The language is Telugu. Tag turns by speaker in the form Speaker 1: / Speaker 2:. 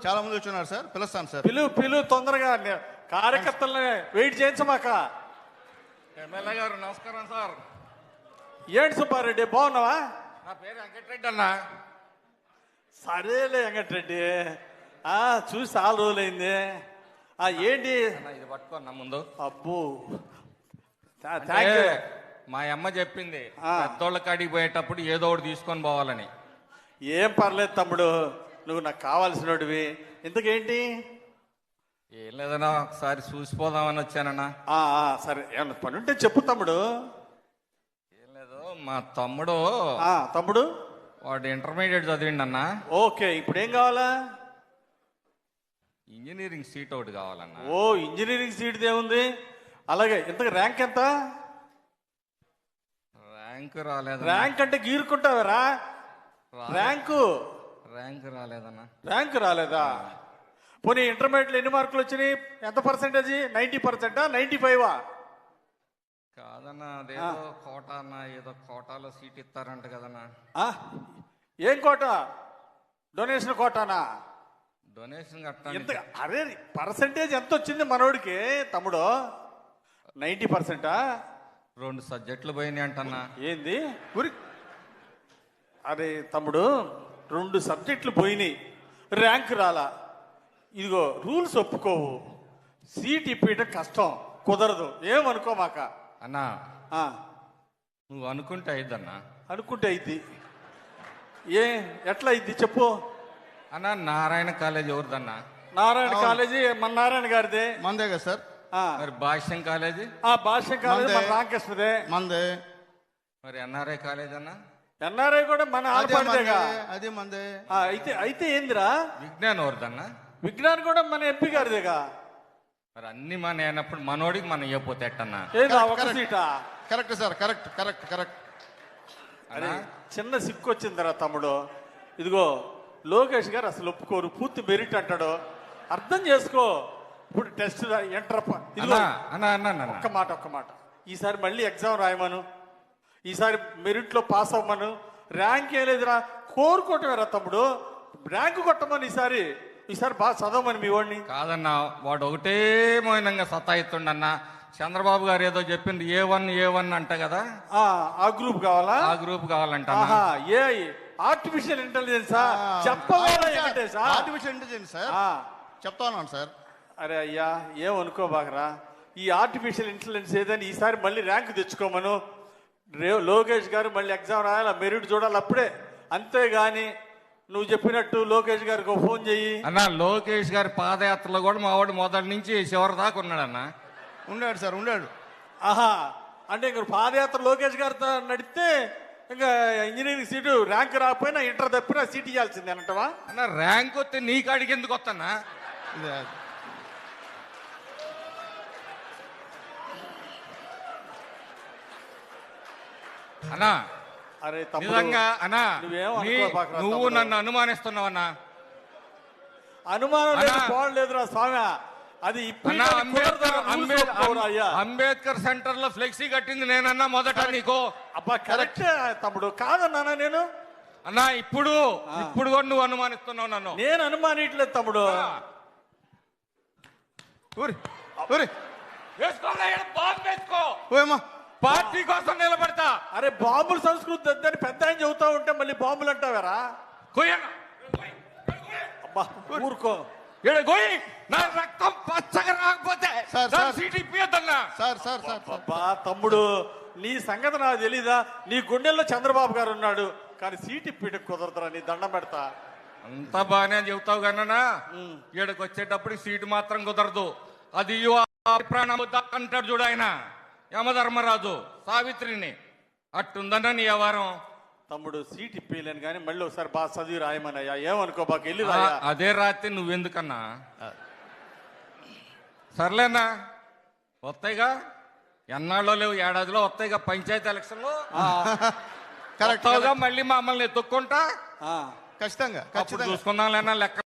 Speaker 1: చాలా మంది వచ్చున్నారు సార్, పిలుస్తాను సార్.
Speaker 2: పిలు తొందరగా కార్యకర్తలని వెయిట్ చేయించమాక.
Speaker 3: ఎమ్మెల్యే గారు నమస్కారం సార్.
Speaker 2: ఏంటి సుబ్బారెడ్డి బాగున్నావా?
Speaker 3: నా పేరు వెంకటరెడ్డి అన్న.
Speaker 2: సరేలే వెంకటరెడ్డి, చూసి చాలా రోజులైంది. ఏంటి
Speaker 3: ఇది పట్టుకోన్నా ముందు.
Speaker 2: అబ్బో
Speaker 3: అంటే మా అమ్మ చెప్పింది పెద్దోళ్ళ కాడికి పోయేటప్పుడు ఏదో ఒకటి తీసుకొని పోవాలని.
Speaker 2: ఏం పర్లేదు తమ్ముడు, నువ్వు నాకు కావాల్సినవి. ఇంతకేంటి?
Speaker 3: ఏం లేదన్నా, ఒకసారి చూసిపోదామని వచ్చానన్నా.
Speaker 2: సరే, ఏమన్నా పని ఉంటే చెప్పు తమ్ముడు.
Speaker 3: ఏం లేదు, మా తమ్ముడు
Speaker 2: తమ్ముడు
Speaker 3: వాడు ఇంటర్మీడియట్ చదివిండి అన్న.
Speaker 2: ఓకే, ఇప్పుడు ఏం కావాలా?
Speaker 3: ఇంజనీరింగ్ సీట్ ఒకటి కావాలన్నా.
Speaker 2: ఓ, ఇంజనీరింగ్ సీట్ ఏముంది? అలాగే, ఇంతకు ర్యాంక్ ఎంత?
Speaker 3: ర్యాంక్ రాలేదు.
Speaker 2: ర్యాంక్ అంటే గీరుకుంటావరా? ర్యాంకు
Speaker 3: రాలేదన్నా.
Speaker 2: ర్యాంక్ రాలేదా? పోనీ ఇంటర్మీడియట్లో ఎన్ని మార్కులు వచ్చినాయి? ఎంత పర్సెంటేజ్? 90%, 95?
Speaker 3: కాదన్నా, అదేదో కోటా అన్న, ఏదో కోటాలో సీట్ ఇస్తారంట కదన్నా.
Speaker 2: ఏం కోట? డొనేషన్ కోటానా?
Speaker 3: డొనేషన్ కట్టా.
Speaker 2: అరే, పర్సెంటేజ్ ఎంత వచ్చింది మనోడికి తమ్ముడు? 90%?
Speaker 3: 2 సబ్జెక్టులు పోయినాయి అంటన్నా.
Speaker 2: ఏంది? అరే తమ్ముడు, 2 సబ్జెక్టులు పోయినాయి, ర్యాంక్ రాలా. ఇదిగో రూల్స్ ఒప్పుకోవు, సీట్ ఇప్పించడం కష్టం, కుదరదు. ఏమనుకోమాక
Speaker 3: అన్నా. నువ్వు అనుకుంటే అయిద్దన్నా.
Speaker 2: అనుకుంటే అయింది. ఎట్లా అయింది చెప్పు
Speaker 3: అన్నా. నారాయణ కాలేజ్ ఎవరిదన్నా?
Speaker 2: నారాయణ కాలేజీ మన నారాయణ గారిదే.
Speaker 1: మందే కదా సార్.
Speaker 3: మరి భాష్యం కాలేజీ?
Speaker 2: భాష్యం కాలేజీ మన రామకృష్ణదే.
Speaker 1: మందే.
Speaker 3: మరి ఎన్ఆర్ఐ కాలేజ్ అన్నా?
Speaker 2: ఎన్ఆర్ఐ కూడా మన ఆడపడిదేగా.
Speaker 1: అదే మందే.
Speaker 2: అయితే ఏందిరా?
Speaker 3: విజ్ఞాన్ ఎవరిదన్నా?
Speaker 2: విజ్ఞాన్ కూడా మన ఎంపీ గారిదేగా.
Speaker 3: మరి అన్ని మన అయినప్పుడు మనోడికి మనం ఇవ్వపోతే ఎట్టన్నా?
Speaker 2: ఒక సీటా?
Speaker 1: Correct sir, correct correct correct.
Speaker 2: అరే, చిన్న సిక్కు వచ్చిందిరా తమ్ముడు. ఇదిగో లోకేష్ గారు అసలు ఒప్పుకోరు, పూర్తి మెరిట్ అంటాడు. అర్థం చేసుకో. ఇప్పుడు టెస్ట్ ఎంటర్. ఒక్క మాట, ఈసారి మళ్ళీ ఎగ్జామ్ రాయమను, ఈసారి మెరిట్లో పాస్ అవ్వమను. ర్యాంక్ ఏం లేదురా, కోరుకోవటమేరా తమ్ముడు. ర్యాంకు కొట్టమని ఈసారి బాగా చదవమని మీ వాడిని.
Speaker 3: కాదన్నా, వాడు ఒకటే మౌనంగా సతాయిస్తుండన్నా. చంద్రబాబు గారు ఏదో చెప్పింది A1 అంట కదా.
Speaker 2: ఆ గ్రూప్ కావాలా?
Speaker 3: ఆ గ్రూప్ కావాలంట.
Speaker 2: ఆర్టిఫిషియల్ ఇంటెలిజెన్సా? చెప్పవాలి.
Speaker 1: ఆర్టిఫిషియల్ ఇంటెలిజెన్స్ సార్, చెప్తా ఉన్నాను సార్.
Speaker 2: అరే అయ్యా, ఏమనుకోబాకరా. ఈ ఆర్టిఫిషియల్ ఇంటెలిజెన్స్ ఏదని ఈసారి మళ్ళీ ర్యాంక్ తెచ్చుకోమను. లోకేష్ గారు మళ్ళీ ఎగ్జామ్ రాయాలి, మెరిట్ చూడాలి అప్పుడే. అంతేగాని నువ్వు చెప్పినట్టు లోకేష్ గారికి ఫోన్ చెయ్యి
Speaker 3: అన్న. లోకేష్ గారి పాదయాత్రలో కూడా మా వాడు మొదటి నుంచి చివరి దాకా ఉన్నాడన్న.
Speaker 1: ఉన్నాడు సార్, ఉన్నాడు.
Speaker 2: అంటే ఇంక పాదయాత్ర లోకేష్ గారితో నడిస్తే ఇంకా ఇంజనీరింగ్ సీటు ర్యాంక్ రాకపోయినా ఇంటర్ తప్పినా సీట్ ఇవ్వాల్సిందే అంటవా?
Speaker 3: అన్న, ర్యాంక్ వస్తే నీ కాడికి ఎందుకు వస్తానా? అన్నా,
Speaker 2: అరే
Speaker 3: నిజంగా అన్నా, నువ్వు నన్ను అనుమానిస్తున్నావన్నా.
Speaker 2: అనుమానం లేదురా స్వామి. అది
Speaker 3: అంబేద్కర్ సెంటర్ లో ఫ్లెక్సీ కట్టింది నేనన్నా మొదట నీకు.
Speaker 2: అబ్బా కరెక్ట్ తమ్ముడు, కాదన్నా నేను.
Speaker 3: అన్నా, ఇప్పుడు కూడా నువ్వు అనుమానిస్తున్నావు నన్ను.
Speaker 2: నేను అనుమానిట్లేదు తమ్ముడు.
Speaker 3: పార్టీ కోసం నిలబడతా.
Speaker 2: అరే, బాంబుల సంస్కృతి వద్దని పెద్ద ఆయన చెబుతా ఉంటే మళ్ళీ బాంబులు అంటావారా? అబ్బా ఊరుకో.
Speaker 3: నా రక్తం పచ్చగా రాకపోతే సీట్ ఇప్పియద్దన్నా.
Speaker 2: అబ్బా తమ్ముడు, నీ సంగతి నాకు తెలీదా? నీ గుండెల్లో చంద్రబాబు గారు ఉన్నాడు, కానీ సీట్ ఇప్పిట కుదరదురా. నీ దండం పెడతా.
Speaker 3: అంతా బాగానే చెబుతావు కన్నా, ఈడకి వచ్చేటప్పుడు సీటు మాత్రం కుదరదు. అది ప్రాణం అంటాడు చూడు ఆయన యమధర్మరాజు సావిత్రిని. అట్టుందన్నా నీ వ్యవహారం.
Speaker 2: తమ్ముడు, సీట్ ఇప్పలేను కానీ మళ్ళీ ఒకసారి బాగా చదివి రాయమనయ్యా. ఏమనుకో బాగా వెళ్ళి రాయా.
Speaker 3: అదే రాత్రి నువ్వెందుకన్నా? సర్లేనా, వస్తాయిగా. ఎన్నాళ్ళో లేవు, ఏడాదిలో వస్తాయిగా పంచాయతీ ఎలక్షన్లు. మళ్ళీ మమ్మల్ని ఎత్తుక్కుంటా
Speaker 1: ఖచ్చితంగా
Speaker 3: చూసుకుందాం లేనా లెక్క.